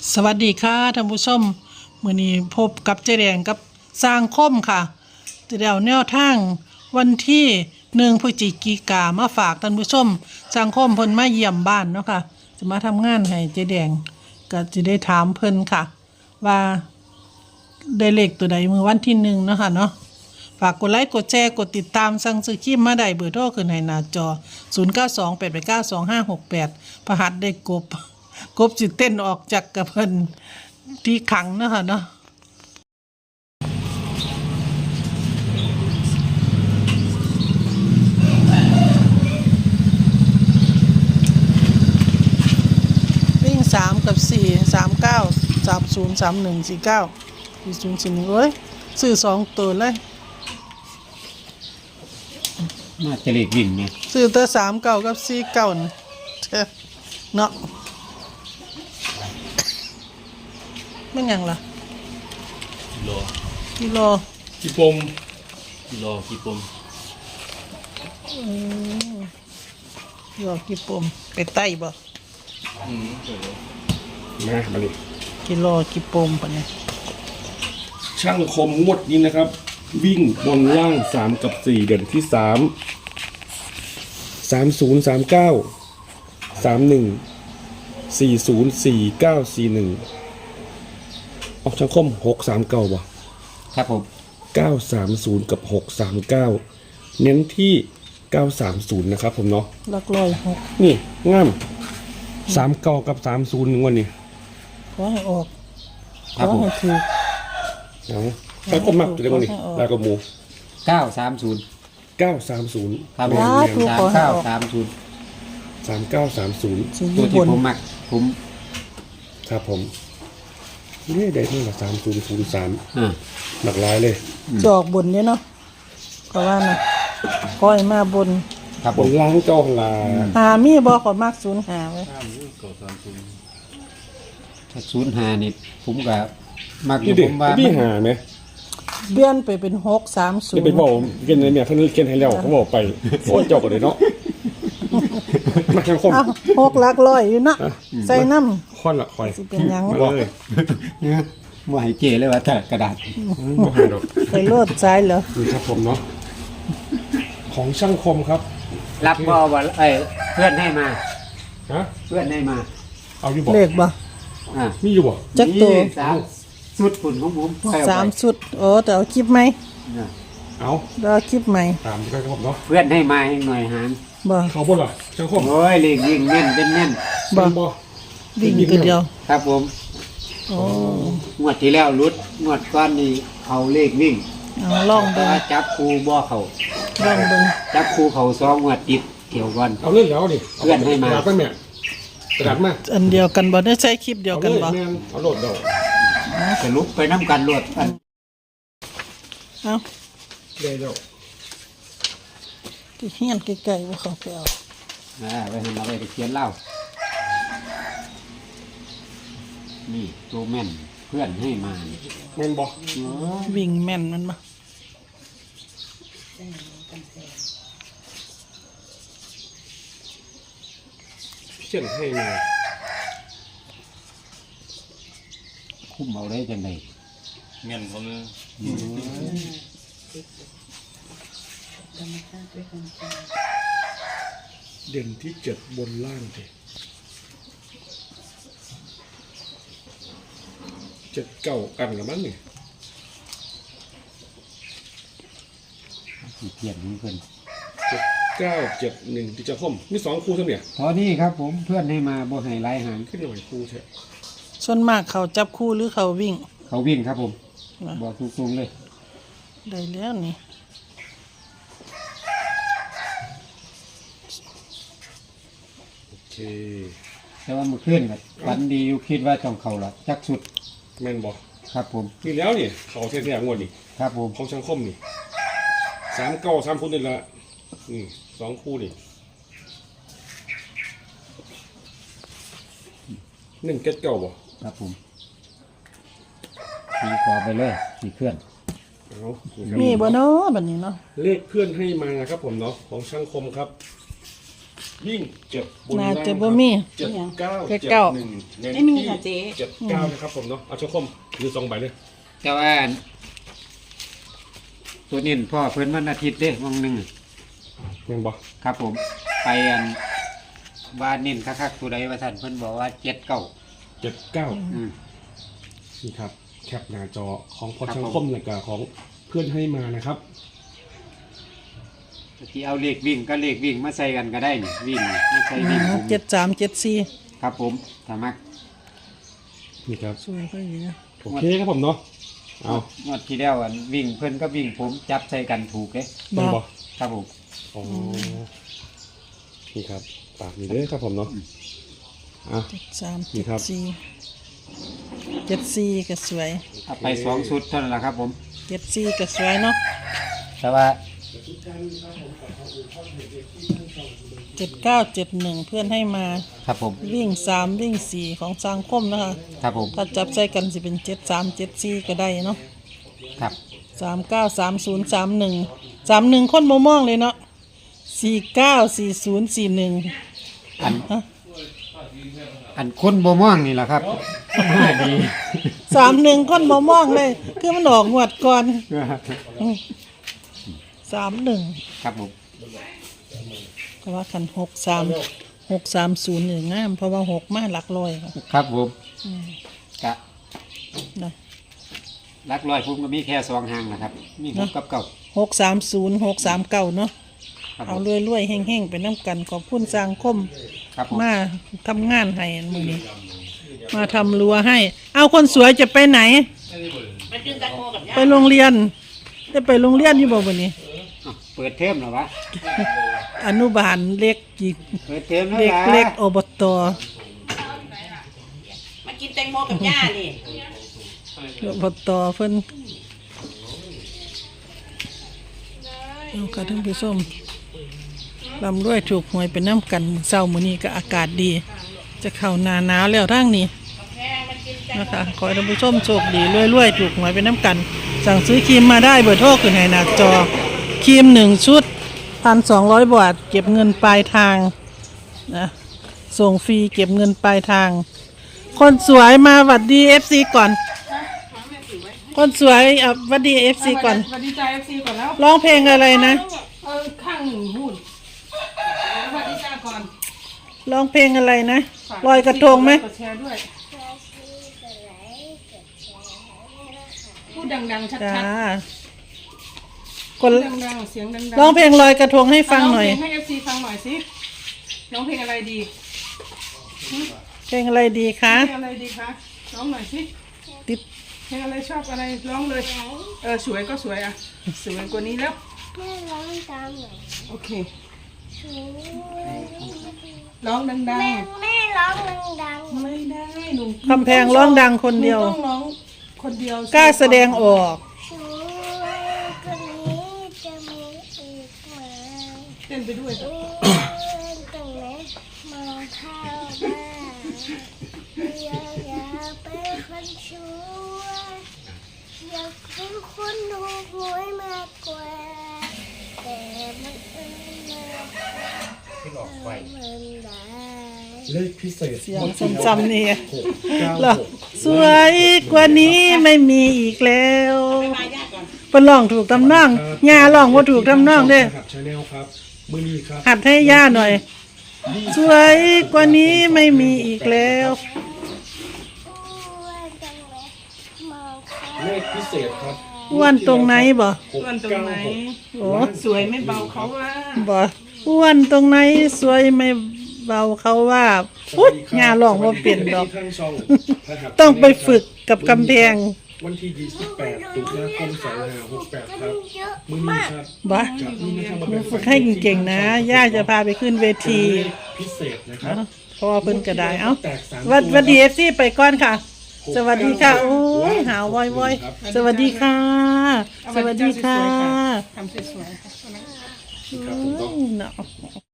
สวัสดีค่ะท่านผู้ชมมื้อนี้พบกับเจ๊แดงกับสร้างคมค่ะจะได้เอาแนวทางวันที่1พฤศจิกายนมาฝากท่านผู้ชมสร้างคมเพิ่นมาเยี่ยมบ้านเนาะค่ะจะมาทำงานให้เจ๊แดงก็จะได้ถามเพิ่นค่ะว่าได้เลขตัวใดมื้อวันที่1เนาะค่ะเนาะฝากกดไลค์กดแชร์กดติดตามสั่งซื้อครีมมาได้เบอร์โทรขึ้นให้หน้าจอ0928892568พระหัสได้กบสิเต้นออกจากกระเพิ่นที่ขังเนาะค่ะเนาะวิ่ง3กับ4 39 30 31 49 40 41เอ้ยซื้อ2ตัวเลยน่าจะเลขวิ่งเนี่ยซื้อแต่39กับ49นี่เนาะไม่หยังล่ะกิโลกี่ปมยอกี่ปมไปไต้บ่มาเลยกิโลกี่ปมปะเนี่ยช่างคมงวดนี้นะครับวิ่งบนล่าง3กับ4เดือนที่3 30 39 31 40 49 41ออกช่างคม639บ่ครับผม 930กับ639เน้นที่930นะครับผมเนาะหลักร้อย6 นี่งาม39กับ30วันนี้ขอให้ออกขอให้ถูกเอาแล้วก็มักอยู่ในวันนี้แล้วก็หมู 930 930 ครับผม3930 3930 ตัวที่ผมมักผมครับผมนี่ได้ที่ละ3003หลากหลายเลยจอกบนเนี่ยเนาะก็ว่านะก้อยมาบนครับบนล้างเจ้าลามีบ่ขอมาก05ไว้ถ้า05นี่ผมก็มักอยู่ผมว่าพี่หาไหมเบี้ยนไปเป็น630 นี่เป็นบอกเกินในเนี่ยเขาเขียนให้แล้วเขาบอกไปโอ้เจ้าก็เลยเนาะมาทางคม 6หลักร้อยอยู่เนาะใส่น้ำค่อนละค่อยสิเป็นหยังเลยบ่ให้เจเลยว่าถ้ากระดาษบ่หาดอกไปโลดซ้ายเหรอครับผมเนาะของช่างคมครับรับบ่ว่าเพื่อนให้มาฮะเพื่อนให้มาเอาอยู่บ่เลขบ่มีอยู่บ่จักตัว 3ชุดฝุ่นของผม 3ชุดแต่เอาคลิปไหมเอาเอาคลิปใหม่ตามกันครับเนาะเพื่อนให้มาให้หน่อยหารบ่เขาบ่ล่ะช่างคมโอ้ยเลขวิ่งแม่นเป็นแม่นบ่วิ่งตัวเดียวครับผมงวดที่แล้วรุดงวดก้อนนี้เขาเลขวิ่งลองเบิ่งจับครูบ่เขาลองเบิ่งจับครูเขา2งวดติดเกี่ยวก่อนเอาเล่นแล้วดิเพื่อนให้มากระดาษมั้ยกระดาษมาอันเดียวกันบ่ได้ใช้คลิปเดียวกันบ่เอาโหลดเดาจะลุกไปน้ำกันโหลดกันเอาได้แล้วที่เฮียนใกล้ๆว่าเขาไปเอาไปทำอะไรไปเขียนเล่านี่ตัวแม่นเพื่อนให้มาแม่นบ่วิ่งแม่นมันบ่เขียนให้มาคุ้มเอาได้จังได๋แม่นผมเด่นที่7บนล่างดิ7-9กันละมั้งนี่เขียนเพิ่น 7971ที่จะคมมี2คู่เท่าเนี่ยพอนี่ครับผมเพื่อนให้มาบ่ให้หลายหางขึ้นหน่อยคู่แท้ส่วนมากเขาจับคู่หรือเขาวิ่งเขาวิ่งครับผมบอกตรงๆเลยได้แล้วนี่โอเคแต่ว่าเมื่อคืนครับวันดีอยู่คิดว่าต้องเข้าละจักสุดแม่นบ่ครับผมนี่แล้วนี่เขาแท้ๆงวดนี่ครับผมของช่างคมนี่39 3คู่นี่ละนี่2คู่นี่1-9บ่ครับผมตีกว่าไปเลยตีเพื่อนมีบ่เนาะแบบนี้เนาะเลขเพื่อนให้มาครับผมเนาะของช่างคมครับวิ่งเจ็ดบนน่าล่างจะบ่มีเจ็ดเก้าเจ็เจ็ดดเก้าหนึ่งเน้นไม่มีที่ค่ะเจ๊เจ็ดเก้านะครับผมเนาะเอาเจ้าคมหรือ2 ใบเลยแต่ว่าตัวนี้พ่อเพิ่นวันอาทิตย์เด้วังหนึ่งยังบอกครับผม ไปอันว่านิ่นคักๆตัวใดว่าท่านเพิ่นบอกว่า7-9 เจ็ดเก้าอืมนี่ครับแคปหน้าจอของพอครับช่างผมคมและก็ของเพื่อนให้มานะครับที่เอาเลขวิ่งก็เลขวิ่งมาใส่กันก็ได้นี่วิ่งมาใส่วิ่งผม 7374 ครับผมถ้ามักนี่ครับสวยก็ดีนะโอเคครับผมเนาะเอางวดที่แล้วอันวิ่งเพิ่นก็วิ่งผมจับใส่กันถูกเด้เป็นบอครับผมอ๋อนี่ครับปากนี่เด้อครับผมเนาะอ่ะ นี่ครับ 74ก็สวยเอาไป2ชุดเท่านั้นแหละครับผม 74ก็สวยเนาะแต่ว่า 7971เพื่อนให้มาครับผมวิ่ง3วิ่ง4ของสังคมนะคะครับผมถ้าจับใส่กันสิเป็น7374ก็ได้เนาะครับ 393031คนบ่มองเลยเนาะ494041 อันคนบ่ม่วงนี่แหละครับมาดี 31คนบ่มองเลย คือมันออกงวดก่อน31 ครับผมก็ว่าคัน630นี่งามเพราะว่า6มาหลักร้อยค่ะครับผมกะนะลักลอยผมก็มีแค่2หางนะครับ มี6กับ9 630 639เนาะครับผเอามรวยๆแห้งๆไปน้ำกันขอบคุณสังคมครับผมมาทำงานให้มื้อนี้ มาทำรั้วให้ เอาคนสวยจะไปไหนมากินแตงโมกับย่าไปโรงเรียนได้ไปโรงเรียนอยู่บ่วันนี้อ้าวเปิดเทอมแล้ววะอนุบาลเล็กอีกเปิดเทอมแล้วเด็กล่ะเล็กอบตมากินแตงโมกับย่านี่อบตเพิ่นเอาค่ะท่านผู้ชมลำรวยถูกหวยเป็นน้ำกันเช้ามื้อนี้ก็อากาศดี จะเข้าหน้าหนาวแล้วทางนี้นะคะขอให้ท่านผู้ชมโชคดีรวยๆถูกหวยเป็นน้ำกัน สั่งซื้อครีมมาได้เบอร์โทรขึ้นให้หน้าจอครีม1ชุด 1,200 บาทเก็บเงินปลายทางนะส่งฟรีเก็บเงินปลายทาง คนสวยมาหวัดดี FC ก่อน คนสวยหวัดดี FC ก่อนสวัสดีจ้า FC ก่อนแล้วร้องเพลงอะไรนะข้างหนึ่งหุ้นสวัสดีจ้าก่อนร้องเพลงอะไรนะลอยกระทงไหมกดแชร์ด้วย พูดดังๆ ชัจ้าดคนๆดังๆ เสียงดังๆร้องเพลงลอยกระทงให้ฟังหน่อยร้เพลงให้ FC ฟังหน่อยสิร้องเพลงอะไรดีเพลงอะไรดีคะเพลงอะไรดีคะร้องหน่อยสิติดเพลงอะไรชอบอะไรร้องเลย สวยก็สวยอ่ะ สวยกว่านี้แล้วแม่ร้องตามหน่อยโอเคสวยร้องดังแม่ร้องดังๆ ไม่ได้หนูคำแพงร้องดังคนเดียวหนูต้องร้องคนเดียวกล้าแสดงออกๆสวยคนนี้จะมีอีกไหมเต้นไปด้วยตรงไหนมองเข้าบ้านอยากเป็นคนช่วยอยากเป็นคนดูหวยมากกว่าแต่มันเอิญมันได้เลขพิเศษเสียงจำๆนี่ 696 หรอสวยกว่านี้ไม่มีอีกแล้วมาย่าก่อนเป็นร้องถูกทำนองย่าร้องว่าถูกทำนองเด้ครับชาแนลครับมื้อนี้ครับหัดให้ย่าหน่อย สวยกว่านี้ไม่มีอีกแล้วเลขพิเศษครับอ้วนตรงไหนบ่อ้วนตรงไหนโอ้สวยไม่เบาเขาว่าบ่อ้วนตรงไหนสวยไม่เบาเขาว่าอุ๊ยย่าร้องว่าเป็นดอกทางช่องพระหัตถ์ต้องไปฝึกกับกำแพงวันที่ 28 ตุลาคม 2568 ครับ มื้อนี้ครับบ่จากนี้นะครับมาเป็นฝึกให้เก่งๆนะ ย่าจะพาไปขึ้นเวทีเลขพิเศษนะครับเพราะว่าเพิ่นก็ได้ เอ้าแตกสามวัดดีตัว FC ไปก่อนค่ะ สวัสดีค่ะ โอ้ยหาววอยๆสวัสดีค่ะ สวัสดีค่ะทำสวยๆค่ะครับผมเนาะ